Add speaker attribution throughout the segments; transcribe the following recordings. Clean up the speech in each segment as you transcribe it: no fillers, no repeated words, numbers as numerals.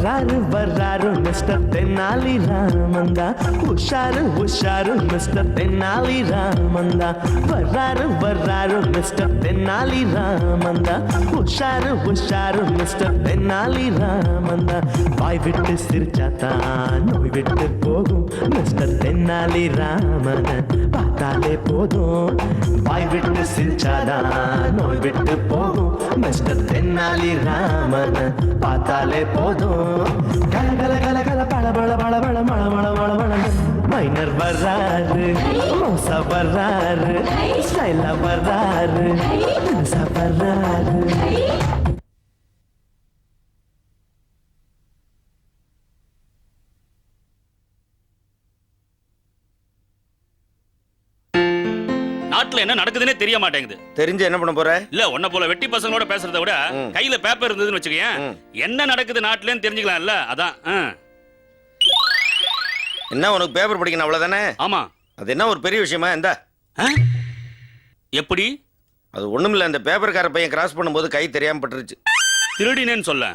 Speaker 1: வர்றாரு வர்றாரு மிஸ்டர் தென்னாலி ராமந்தா, உஷாரு உஷாரு மிஸ்டர் தென்னாலி ராமந்தா, வர்றாரு வர்றாரு மிஸ்டர் தென்னாலி ராமந்தா, உஷாரு உஷாரு மிஸ்டர் தென்னாலி ராமந்தா. வாய் விட்டு சிரிச்சாத்தான் நோய் விட்டு போகும் மிஸ்டர் தென்னாலி ராமன் பார்த்தாலே போதும். வாய் விட்டு சிரிச்சாதான் நோய் விட்டு போகும் மிஸ்டர் தென்னாலி ராமன் பார்த்தாலே போதும். கல கல கல கல பழ பழ பழ பழ மழ மழ மழ மழ. மைனர் வர்றாரு, மோசா வர்றாரு, ஸ்டைலா வர்றாரு, வர்றாரு.
Speaker 2: நாட்டுல என்ன நடக்குதுன்னே தெரிய மாட்டேங்குது.
Speaker 3: தெரிஞ்சு என்ன பண்ண போற?
Speaker 2: இல்ல உன்ன போல வெட்டி பசங்களோட பேசுறதை விட கையில பேப்பர் இருந்ததுன்னு வச்சுக்கேன், என்ன நடக்குது நாட்டுலன்னு தெரிஞ்சுக்கலாம்ல. அதான்.
Speaker 3: என்ன உனக்கு பேப்பர் படிக்கணும் அவ்வளவுதானே?
Speaker 2: ஆமா.
Speaker 3: அது என்ன ஒரு பெரிய விஷயமா? இந்த
Speaker 2: எப்படி?
Speaker 3: அது ஒண்ணுமில்ல, இந்த பேப்பர்கார பையன் கிராஸ் பண்ணும்போது கை தெரியாம பட்டுருச்சு.
Speaker 2: திருடினேன்னு சொல்ல.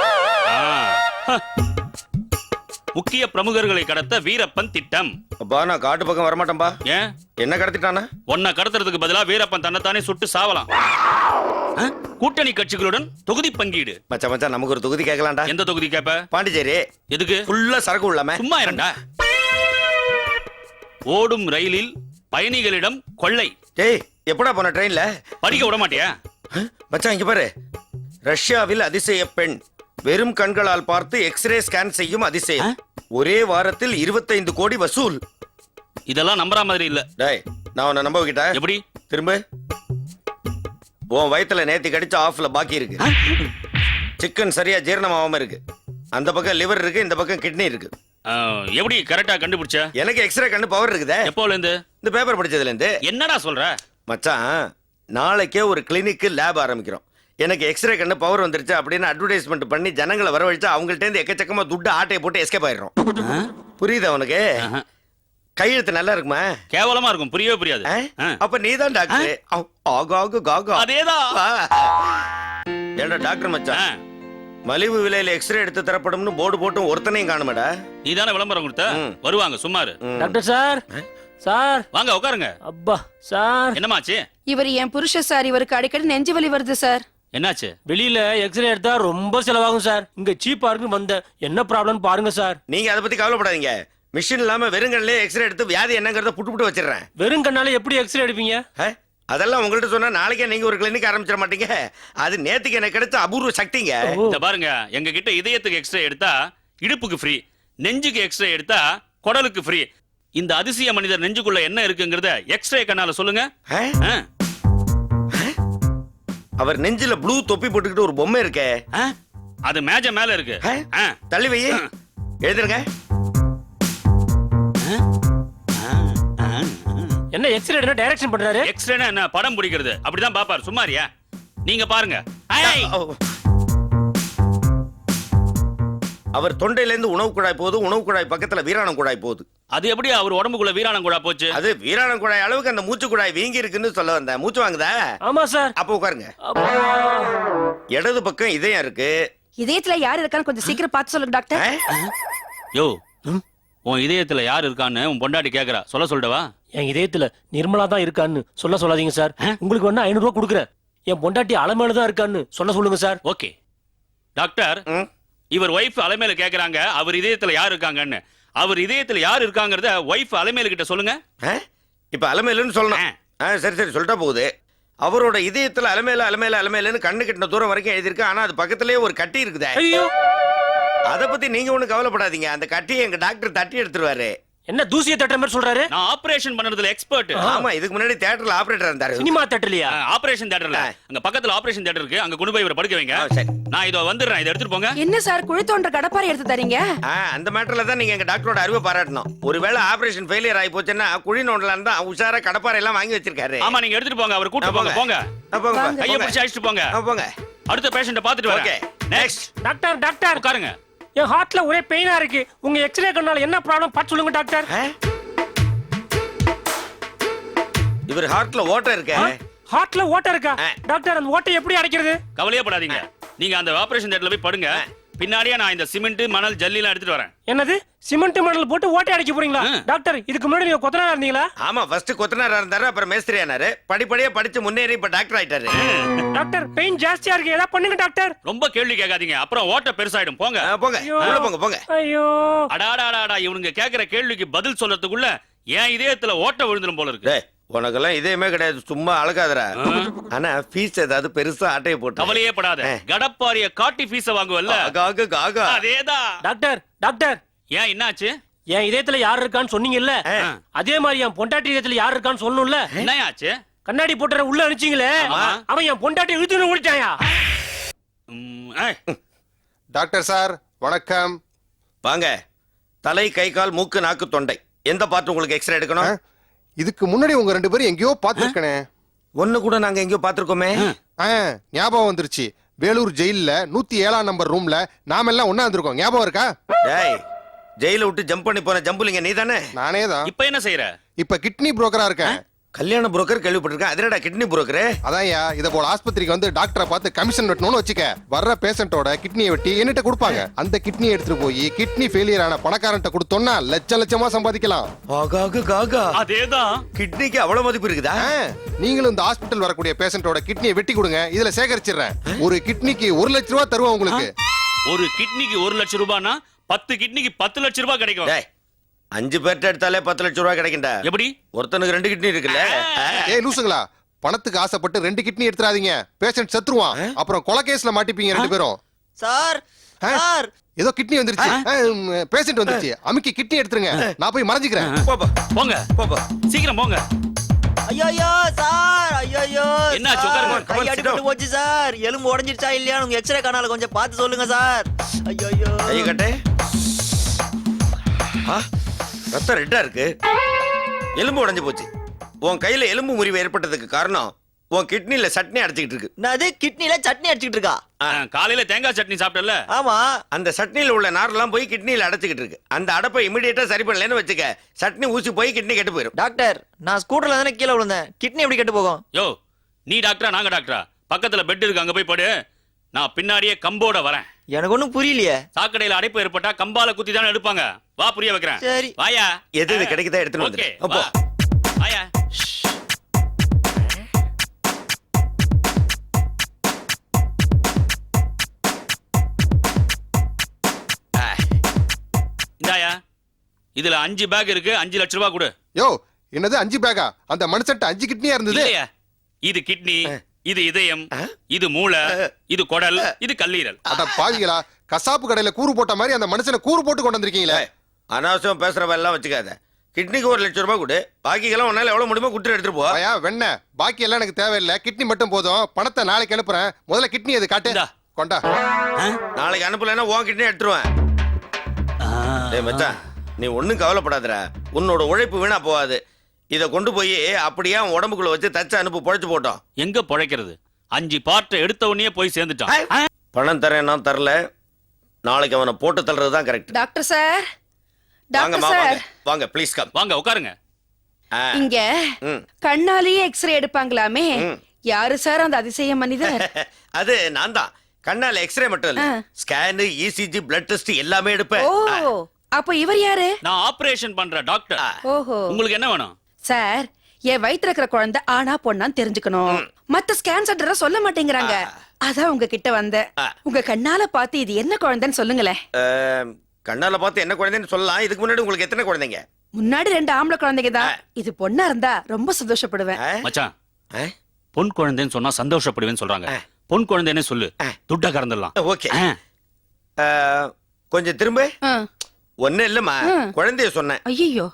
Speaker 2: முக்கிய பிரமுகர்களை கடத்த வீரப்பன் திட்டம்.
Speaker 3: அப்பா நான் காட்டு பக்கம் வரமாட்டேன்பா.
Speaker 2: ஏன்?
Speaker 3: என்ன கடத்திட்டானா?
Speaker 2: உன்னை கடத்துறதுக்கு பதிலா வீரப்பன் தன்னைத்தானே சுட்டு சாவலாம். கூட்டணி கட்சிகளுடன் தொகுதி பங்கீடு.
Speaker 3: மச்சான் மச்சான் நமக்கு ஒரு தொகுதி கேட்கலாம்டா.
Speaker 2: எந்த தொகுதி கேப்ப?
Speaker 3: பாண்டிச்சேரி.
Speaker 2: எதுக்கு?
Speaker 3: ஃபுல்லா சரக்கு உள்ளாம.
Speaker 2: சும்மா இருடா. ஓடும் ரயிலில் பயணிகளிடம் கொள்ளை.
Speaker 3: டேய் எப்படா போன ட்ரெயின்ல?
Speaker 2: படிக்க விட மாட்டியா?
Speaker 3: மச்சான் இங்க பாரு. ரஷ்யாவில் அதிசய பெண் வெறும் கண்களால் பார்த்து எக்ஸ்ரே ஸ்கேன் செய்யும் அதிசயம். ஒரே வாரத்தில் 25 கோடி வசூல்.
Speaker 2: இதெல்லாம் நம்புற மாதிரி இல்ல.
Speaker 3: டேய் நான் உன்னை நம்ப வைக்கிட்டா?
Speaker 2: எப்படி?
Speaker 3: திரும்ப. உன் வயித்துல நேத்தி கடிச்ச ஆஃப்ல பாக்கி இருக்கு. சிக்கன் சரியா ஜீரணமாகாம இருக்கு. அந்த பக்கம் லிவர் இருக்கு, இந்த பக்கம் கிட்னி இருக்கு.
Speaker 2: எப்படி கரெக்டா கண்டுபிடிச்ச?
Speaker 3: எனக்கு எக்ஸ்ரே கண்ணு பவர் இருக்குதே.
Speaker 2: எப்போல இருந்து?
Speaker 3: இந்த பேப்பர் படிச்சதுல இருந்து.
Speaker 2: என்னடா சொல்ற
Speaker 3: மச்சான்? நாளைக்கே ஒரு கிளினிக் லேப் ஆரம்பிக்கிறோம். எனக்கு எக்ஸ்ரே கண்ணு பவர் வந்துருச்சு அப்படின்னு அட்வர்டைஸ்மெண்ட் பண்ணி ஜனங்களை வரவழைச்சு அவங்கள்ட்ட இருந்து எக்கச்சக்கமா துட்டு ஆட்டையை போட்டு எஸ்கேப் ஆயிடுறோம். புரியுதா உனக்கு? கையெழுத்து நல்லா இருக்குமா?
Speaker 2: கேவலமா இருக்கும், புரியவே புரியாது.
Speaker 3: அப்ப நீதான் டாக்டர்.
Speaker 2: அதேதான்.
Speaker 3: ஏண்டா டாக்டர் மச்சான், மலிவு விலையில எக்ஸ்ரே எடுத்து தரப்படும்னு போர்டு போட்டும் ஒருத்தனையும் காணுமேடா.
Speaker 2: நீதானே விளம்பரம் கொடுத்த. வருவாங்க சும்மாரு.
Speaker 4: டாக்டர் சார், சார்
Speaker 2: வாங்க உட்காருங்க.
Speaker 4: அப்பா சார்.
Speaker 2: என்னமாச்சு?
Speaker 5: இவர் என் புருஷ சார், இவருக்கு அடிக்கடி நெஞ்சு வலி வருது சார்.
Speaker 2: என்னாச்சு?
Speaker 4: வெளியில எக்ஸ்ரே எடுத்தா ரொம்ப செலவாகும் சார். இங்க சீப்பா இருக்கு வந்த. என்ன ப்ராப்ளம் பாருங்க சார்.
Speaker 3: நீங்க அதை பத்தி கவலைப்படாதீங்க. மிஷின் இல்லாம வெறுங்கல்லே எக்ஸ்ரே எடுத்து வியாதி என்னங்கறத புட்டு வச்சிடுறேன்.
Speaker 4: வெறும் கண்ணால எப்படி எக்ஸ்ரே எடுப்பீங்க?
Speaker 3: அதெல்லாம் உங்கள்ட்ட சொன்னா நாளைக்கே நீங்க ஒரு கிளினிக் ஆரம்பிச்சிட மாட்டீங்க. அது நேத்துக்கு எனக்கு கிடைச்ச அபூர்வ சக்திங்க.
Speaker 2: இத பாருங்க, எங்க கிட்ட இதயத்துக்கு எக்ஸ்ரே எடுத்தா இடுப்புக்கு ஃப்ரீ, நெஞ்சுக்கு எக்ஸ்ரே எடுத்தா குடலுக்கு ஃப்ரீ. இந்த அதிசய மனிதர் நெஞ்சுக்குள்ள என்ன இருக்குங்கறத எக்ஸ்ரே கண்ணால சொல்லுங்க.
Speaker 3: அவர் நெஞ்சில ப்ளூ தொப்பி போட்டுக்கிட்டு ஒரு பொம்மை இருக்கே,
Speaker 2: அது மேஜ மேல இருக்கு.
Speaker 3: தள்ளி வை, எழுதுங்க.
Speaker 4: என்ன எக்ஸ்ரே எடுனா டைரக்ஷன் பண்றாரு?
Speaker 2: எக்ஸ்ரேனா என்ன? படம் பிடிக்கிறது. அப்படிதான் பாப்பாரு. சும்மாரியா? நீங்க பாருங்க.
Speaker 3: அவர் தொண்டையில இருந்து உணவு குழாய் போகுது, உணவு குழாய் பக்கத்துல வீராணம் குழாய் போகுது.
Speaker 2: அது எப்படி அவர் உடம்புக்குள்ள வீராணம் குழாய் போச்சு?
Speaker 3: அது வீராணம் குழாய் அளவுக்கு அந்த மூச்சு குழாய் வீங்கி இருக்குன்னு சொல்ல வந்தேன். மூச்சு வாங்குதா?
Speaker 4: ஆமா சார்.
Speaker 3: அப்ப உட்காருங்க. இடது பக்கம் இதயம் இருக்கு.
Speaker 5: இதயத்துல யார் இருக்கான்னு கொஞ்சம் சீக்கிரம் பார்த்து சொல்லுங்க டாக்டர்.
Speaker 2: யோ, உன் இதயத்துல யார் இருக்கான்னு உன் பொண்டாட்டி கேக்குறா. சொல்லவா?
Speaker 4: என் இதயத்துல நிர்மலா தான் இருக்கான்னு சொல்லாதீங்க சார். உங்களுக்கு வேணா 500 ரூபாய் கொடுக்குறேன். என் பொண்டாட்டி அலமேல தான் இருக்கான்னு சொல்லுங்க சார்.
Speaker 2: ஓகே டாக்டர், இவர் ஒய்ஃப் அலமேல கேக்குறாங்க அவர் இதயத்துல யார் இருக்காங்கன்னு. அவர் இதயத்துல யார் இருக்காங்கறத ஒய்ஃப் அலமேல கிட்ட சொல்லுங்க.
Speaker 3: இப்ப அலமேலுன்னு சொல்லணும். சரி சரி சொல்லிட்டா போகுது. அவரோட இதயத்துல அலமேல அலமேல அலமேலன்னு கண்ணு கிட்ட தூரம் வரைக்கும் எழுதிருக்கு. ஆனா அது பக்கத்திலேயே ஒரு கட்டி இருக்குதே. அத பத்தி நீங்க ஒண்ணு கவலைப்படாதீங்க. அந்த கட்டியை எங்க டாக்டர் தட்டி எடுத்துருவாரு.
Speaker 4: என்ன தூசியை தட்டுற மாதிரி சொல்றாரு?
Speaker 2: நான் ஆபரேஷன் பண்றதுல எக்ஸ்பர்ட்.
Speaker 3: ஆமா, இதுக்கு முன்னாடி தியேட்டர்ல ஆபரேட்டர் இருந்தாரு.
Speaker 4: சினிமா தியேட்டர்லயா?
Speaker 2: ஆபரேஷன் தியேட்டர்ல. அங்க பக்கத்துல ஆபரேஷன் தியேட்டர் இருக்கு. அங்க கொண்டு போய் இவரை படுக்க வைங்க. நான் இதோ வந்துறேன். இத எடுத்துட்டு போங்க.
Speaker 5: என்ன சார் குழி தோன்ற கடப்பாரை எடுத்து தரீங்க?
Speaker 3: அந்த மேட்டர்ல தான் நீங்க எங்க டாக்டரோட அறிவை பாராட்டணும். ஒருவேளை ஆபரேஷன் ஃபெயிலியர் ஆகி போச்சுன்னா குழி நோண்டலாம் தான் உஷாரா கடப்பாரை எல்லாம் வாங்கி வச்சிருக்காரு.
Speaker 2: ஆமா, நீங்க எடுத்துட்டு போங்க. அவர் கூட்டி போங்க. போங்க கையை பிடிச்சு அழைச்சிட்டு போங்க.
Speaker 3: போங்க.
Speaker 2: அடுத்த பேஷண்ட பாத்துட்டு வரேன். நெக்ஸ்ட்.
Speaker 4: டாக்டர்
Speaker 2: உட்காருங்க.
Speaker 4: என் ஹார்ட்ல ஒரே பெயினா இருக்கு. உங்க எக்ஸ்ரே கண்ணால என்ன ப்ராப்ளம் பார்த்து சொல்லுங்க டாக்டர்.
Speaker 3: இவர் ஹார்ட்ல ஓட்டை இருக்கே.
Speaker 4: ஹார்ட்ல ஓட்டை இருக்கா? டாக்டர் அந்த ஓட்டை எப்படி அடைக்கிறது?
Speaker 2: கவலையே படாதீங்க. நீங்க அந்த ஆபரேஷன் தியேட்டர்ல போய் படுங்க. பின்னாடியே நான் இந்த சிமெண்ட் மணல் ஜல்லிலாம் எடுத்துட்டு வரேன்.
Speaker 4: என்னது சிமெண்ட் மணல் போட்டு ஓட்டை அடைக்க போறீங்களா டாக்டர்? இதுக்கு முன்னாடி நீங்க கொத்தனாரா இருந்தீங்களா?
Speaker 3: ஆமா, ஃபர்ஸ்ட் கொத்தனாரா இருந்தாரு, அப்புறம் மேஸ்திரி ஆனாரு. படிப்படியா படிச்சு முன்னேறி இப்ப டாக்டர் ஆயிட்டாரு.
Speaker 4: டாக்டர் பெயின் ஜாஸ்தியா இருக்கு, ஏதாவது பண்ணுங்க டாக்டர்.
Speaker 2: ரொம்ப கேள்வி கேட்காதீங்க, அப்புறம் ஓட்ட பெருசாயிடும். போங்க.
Speaker 3: போங்க உள்ள போங்க போங்க.
Speaker 4: ஐயோ
Speaker 2: அடாடாடாடா, இவனுங்க கேக்குற கேள்விக்கு பதில் சொல்லறதுக்குள்ள என் இதயத்துல ஓட்ட விழுந்துரும் போல இருக்கு.
Speaker 3: டேய், உனக்கெல்லாம் இதேமே கிடையாது, சும்மா அழகாதரா. ஆனா ஃபீஸ் ஏதாவது பெருசா ஆட்டையை போட்டு
Speaker 2: கவலையே படாத, கடப்பாரிய காட்டி ஃபீஸ வாங்குவல்ல, அதேதான்.
Speaker 4: டாக்டர் டாக்டர்,
Speaker 2: ஏன் என்னாச்சு?
Speaker 4: என் இதயத்துல யார் இருக்கான்னு சொன்னீங்கல்ல, அதே மாதிரி என் பொண்டாட்டி இதயத்துல யார் இருக்கான்னு சொல்லணும்ல.
Speaker 2: என்ன ஆச்சு?
Speaker 4: கண்ணாடி போட்டுற உள்ள அனுப்பிச்சீங்களே, அவன் என் பொண்டாட்டி இழுத்துன்னு ஓடிட்டாயா?
Speaker 6: டாக்டர் சார் வணக்கம்.
Speaker 3: வாங்க. தலை, கை, கால், மூக்கு, நாக்கு, தொண்டை, எந்த பார்ட் உங்களுக்கு எக்ஸ்ரே எடுக்கணும்?
Speaker 6: இதுக்கு முன்னாடி உங்க 2 பேரும் எங்கேயோ பாத்துருக்கனே.
Speaker 3: ஒண்ணு கூட நாங்க எங்கேயோ பாத்துருக்கோமே.
Speaker 6: ஞாபகம் வந்துருச்சு. வேலூர் ஜெயில்ல 107ஆம் நம்பர் ரூம்ல நாம எல்லாம் ஒண்ணா இருந்திருக்கோம். ஞாபகம் இருக்கா?
Speaker 3: டேய், ஜெயில விட்டு ஜம்ப் பண்ணி போன ஜம்புலிங்க நீதானே?
Speaker 6: நானே தான்.
Speaker 2: இப்ப என்ன செய்யற?
Speaker 6: இப்ப கிட்னி புரோக்கரா இருக்கேன்.
Speaker 3: கல்யாண புரோக்கர் கேள்விப்பட்டிருக்கேன். அதனடா கிட்னி புரோக்கர்?
Speaker 6: அதான்யா, இத போல ஆஸ்பத்திரிக்கு வந்து டாக்டரை பார்த்து கமிஷன் வெட்டணும்னு வச்சுக்க. வர்ற பேஷண்டோட கிட்னியை வெட்டி என்கிட்ட கொடுப்பாங்க. அந்த கிட்னி எடுத்துட்டு போய் கிட்னி ஃபெயிலியர் ஆன பணக்காரன்ட்ட கொடுத்தோம்னா லட்ச லட்சமா சம்பாதிக்கலாம்.
Speaker 2: அதேதான்.
Speaker 3: கிட்னிக்கு அவ்வளவு மதிப்பு இருக்குதா?
Speaker 6: நீங்களும் இந்த ஹாஸ்பிட்டல் வரக்கூடிய பேஷண்டோட கிட்னியை வெட்டி கொடுங்க, இதுல சேகரிச்சிடுறேன். ஒரு கிட்னிக்கு 1 லட்சம் ரூபாய் தருவோம் உங்களுக்கு.
Speaker 2: ஒரு கிட்னிக்கு 1 லட்சம் ரூபாய்னா 10 கிட்னிக்கு 10 லட்சம் ரூபாய் கிடைக்கும்.
Speaker 3: 5 பேர்ட்ட எடுத்தாலே 10 லட்சம் ரூபாய் கிடைக்கும்டா.
Speaker 2: எப்படி?
Speaker 3: ஒருத்தனுக்கு 2 கிட்னி இருக்குல்ல.
Speaker 6: ஏய் லூசுங்களா, பணத்துக்கு ஆசைப்பட்டு 2 கிட்னி எடுத்துறாதீங்க. பேஷண்ட் செத்துருவான், அப்புறம் கொலை கேஸ்ல மாட்டிப்பீங்க 2 பேரும்.
Speaker 7: சார் சார்,
Speaker 6: ஏதோ கிட்னி வந்துருச்சு, பேஷண்ட் வந்துருச்சு, அமுக்கி கிட்னி எடுத்துருங்க, நான் போய் மறைஞ்சிக்கிறேன்.
Speaker 2: போங்க போங்க, சீக்கிரம் போங்க.
Speaker 7: ஐயோ சார், ஐயோ
Speaker 2: என்னாச்சு? உட்காருங்க.
Speaker 7: கை அடிபட்டு போச்சு சார். எலும்பு உடைஞ்சிருச்சா இல்லையான்னு உங்க எக்ஸ்ரே கனால கொஞ்சம் பார்த்து சொல்லுங்க சார். ஐயோ
Speaker 3: கை கட்டு. ரத்தம் ரெட்டா இருக்கு, எலும்பு உடைஞ்சு போச்சு. உன் கையில எலும்பு முறிவு ஏற்பட்டதுக்கு காரணம் உன் கிட்னில சட்னி அடிச்சுக்கிட்டு இருக்கு.
Speaker 7: அது கிட்னில சட்னி அடிச்சுக்கிட்டு இருக்கா?
Speaker 2: காலையில தேங்காய் சட்னி சாப்பிட்டல?
Speaker 7: ஆமா.
Speaker 3: அந்த சட்னில உள்ள நாரெல்லாம் போய் கிட்னில அடைச்சுக்கிட்டு இருக்கு. அந்த அடைப்பை இமிடியேட்டா சரி பண்ணலன்னு வச்சுக்க, சட்னி ஊசி போய் கிட்னி கெட்டு போயிடும்.
Speaker 7: டாக்டர், நான் ஸ்கூட்டர்ல தானே கீழே விழுந்தேன், கிட்னி எப்படி கெட்டு போகும்?
Speaker 2: யோ, நீ டாக்டரா நாங்க டாக்டரா? பக்கத்துல பெட் இருக்கு, அங்க போய் படு. நான் பின்னாடியே கம்போட வரேன்.
Speaker 7: எனக்கு ஒண்ணும் புரியலையே.
Speaker 2: சாக்கடையில அடைப்பு ஏற்பட்டா கம்பால குத்தி தானே எடுப்பாங்க. வா, புரிய வைக்கிறேன்.
Speaker 7: சரி
Speaker 2: வாயா.
Speaker 3: எது கிடைக்குதா எடுத்துட்டு வந்து. அப்போ
Speaker 2: வாயா. இந்தாயா, இதுல 5 பேக் இருக்கு. 5 லட்சம் ரூபாய் கொடு.
Speaker 6: யோ, என்னது 5 பேக்கா? அந்த மனுஷன்ட்ட 5 கிட்னியா இருந்தது.
Speaker 2: இல்லையா, இது கிட்னி, இது இதயம், இது மூளை, இது குடல், இது கல்லீரல்.
Speaker 6: அட பாவிகளா, கசாப்பு கடையில கூறு போட்ட மாதிரி அந்த மனுஷனை கூறு போட்டு கொண்டு வந்திருக்கீங்களே.
Speaker 3: அனாவசியம் பேசுறவ எல்லாம் வச்சுக்காத. கிட்னிக்கு 1 லட்சம் ரூபாய் கொடு, பாக்கிக்கெல்லாம் உன்னால எவ்வளவு முடியுமோ குடுத்து எடுத்துட்டு போ.
Speaker 6: ஐயா வெண்ண, பாக்கி எல்லாம் எனக்கு தேவையில்லை, கிட்னி மட்டும் போதும். பணத்தை நாளைக்கு அனுப்புறேன். முதல்ல கிட்னி எது காட்டு.
Speaker 2: இந்தா.
Speaker 6: கொண்டா.
Speaker 3: நாளைக்கு அனுப்பலன்னா உன் கிட்னி எடுத்துருவேன். டேய் மச்சான், நீ ஒண்ணும் கவலைப்படாதடா. உன்னோட உழைப்பு வீணா போகாது. இத கொண்டு போய் அப்படியே அவன் உடம்புக்குள்ள வச்சு தச்சு அனுப்பு, பொழைச்சு போட்டோம்.
Speaker 2: எங்க பொழைக்கிறது? 5 பார்ட் எடுத்த உடனே போய் சேர்ந்துட்டான்.
Speaker 3: பணம் தரேன், நான் தரல. நாளைக்கு அவனை போட்டு தள்ளுறதுதான் கரெக்ட்.
Speaker 5: டாக்டர் சார்,
Speaker 3: வாங்க
Speaker 5: டாக்டர் சார்,
Speaker 3: வாங்க ப்ளீஸ் கம்.
Speaker 2: வாங்க உட்காருங்க.
Speaker 5: இங்க கண்ணாலேயே எக்ஸ்ரே எடுப்பாங்களாமே, யாரு சார் அந்த அதிசய மனிதர்?
Speaker 3: அது நான் தான். கண்ணால எக்ஸ்ரே மட்டும் இல்ல, ஸ்கேன், இசிஜி, பிளட் டெஸ்ட் எல்லாமே எடுப்பேன்.
Speaker 5: ஓ, அப்ப இவர் யாரு?
Speaker 2: நான் ஆபரேஷன் பண்ற டாக்டர்.
Speaker 5: ஓஹோ.
Speaker 2: உங்களுக்கு என்ன வேணும்?
Speaker 5: சார், என் வயித்துல இருக்கிற குழந்தை ஆனா பொண்ணான்னு தெரிஞ்சுக்கணும். மத்த ஸ்கேன் சென்டர் சொல்ல மாட்டேங்கிறாங்க. அதான் உங்க கிட்ட வந்தேன். உங்க கண்ணால பார்த்து இது என்ன குழந்தைன்னு சொல்லுங்களேன்.
Speaker 3: கண்ணால பார்த்து என்ன குழந்தைன்னு சொல்லலாம். இதுக்கு முன்னாடி உங்களுக்கு எத்தனை குழந்தைங்க?
Speaker 5: முன்னாடி 2 ஆம்பளை குழந்தைங்க தான். இது பொண்ணா இருந்தா ரொம்ப சந்தோஷப்படுவேன்.
Speaker 2: மச்சான், பொன் குழந்தைன்னு சொன்னா சந்தோஷப்படுவேன்னு சொல்றாங்க. பொன் குழந்தைன்னு சொல்லு, துட்டா கறந்துடலாம்.
Speaker 3: ஓகே. கொஞ்சம் திரும்ப. ஒண்ணு இல்லம்மா, குழந்தைய சொன்னேன்.
Speaker 5: ஐயோ,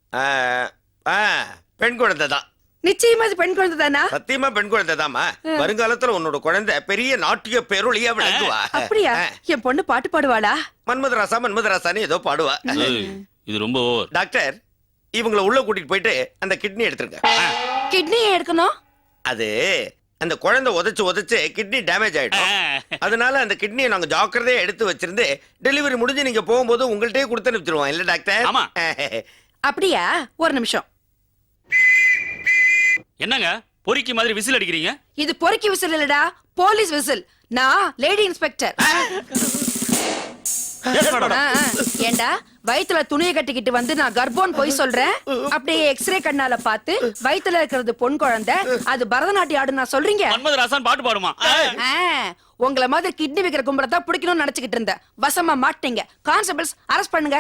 Speaker 3: பெண் குழந்தை தான்.
Speaker 5: நிச்சயமா இது பெண் குழந்தை தானா?
Speaker 3: சத்தியமா பெண் குழந்தை தாமா. வருங்காலத்துல உன்னோட குழந்தை பெரிய நாட்டிய பேரொழியா விளங்குவா.
Speaker 5: அப்படியா? என் பொண்ணு பாட்டு பாடுவாளா?
Speaker 3: மன்மதராசா மன்மதராசான்னு ஏதோ பாடுவா.
Speaker 2: இது ரொம்ப ஓவர்.
Speaker 3: டாக்டர், இவங்களை உள்ள கூட்டிட்டு போயிட்டு அந்த கிட்னி எடுத்துருங்க.
Speaker 5: கிட்னி எடுக்கணும்?
Speaker 3: அது அந்த குழந்தை உதைச்சு கிட்னி டேமேஜ் ஆயிடும். அதனால அந்த கிட்னியை நாங்க ஜாக்கிரதையா எடுத்து வச்சிருந்து டெலிவரி முடிஞ்சு நீங்க போகும்போது உங்கள்கிட்டயே கொடுத்து அனுப்பிச்சிருவோம். இல்ல டாக்டர்?
Speaker 2: ஆமா.
Speaker 5: அப்படியா? ஒரு நிமிஷம்.
Speaker 2: என்னங்க பொறிக்கு மாதிரி விசில் அடிக்கிறீங்க?
Speaker 5: இது பொறுக்கி விசில் இல்லடா, போலீஸ் விசில். நான் லேடி இன்ஸ்பெக்டர். ஏண்டா வயித்துல துணியை கட்டிக்கிட்டு வந்து நான் கர்ப்பம் போய் சொல்றேன், அப்படியே எக்ஸ்ரே கண்ணால பார்த்து வயித்துல இருக்கிறது பொன் குழந்தை, அது பரதநாட்டியம் ஆடு நான் சொல்றீங்க.
Speaker 2: மன்மதராசன் பாட்டு பாடுமா?
Speaker 5: உங்கள மாதிரி கிட்னி வைக்கிற கும்பலை தான் பிடிக்கணும்னு நினைச்சுக்கிட்டு இருந்தேன். வசமா மாட்டீங்க. கான்ஸ்டபிள்ஸ் அரெஸ்ட் பண்ணுங்க.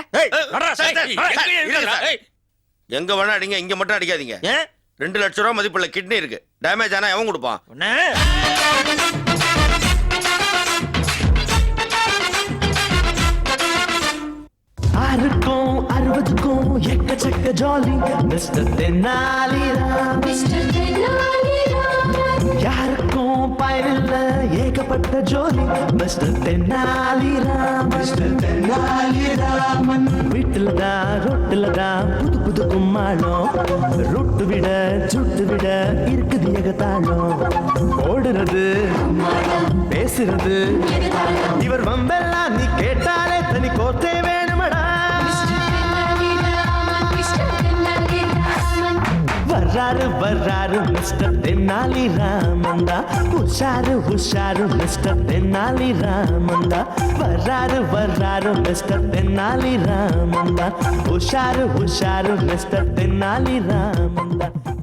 Speaker 3: எங்க வேணா அடிங்க, இங்க மட்டும் அடிக்காதீங்க. 2 லட்சம் ரூபாய் மதிப்புள்ள கிட்னி இருக்கு. டேமேஜ் ஆனா எவன் கொடுப்பான்?
Speaker 1: ஆறுக்கும் 60க்கும் எக்கச்சக்க ஜாலி மிஸ்டர் தென்னாலிராம். யாருக்கும் பயனில்ல ஏகப்பட்ட ஜோலி மிஸ்டர் தென்னாலிராம். மிஸ்டர் தென்னாலிராமன் வீட்டுல தான் ரொட்டுல தான் புது புது கும்மாளம், ரொட்டு விட சுட்டு விட இருக்குது ஏகத்தாளம். ஓடுறது பேசுறது இவர் வம்பெல்லாம் நீ கேட்டாலே தனி கோத்தே வேணுமடா. வர்றாரு வர்றாரு மிஸ்டர் தென்னாலி ராமந்தா, உஷாரு உஷாரு மிஸ்டர் தென்னாலி ராமந்தா. வர்றாரு வர்றாரு மிஸ்டர் தென்னாலி ராமந்தா, உஷாரு உஷாரு மிஸ்டர் தென்னாலி ராமந்தா.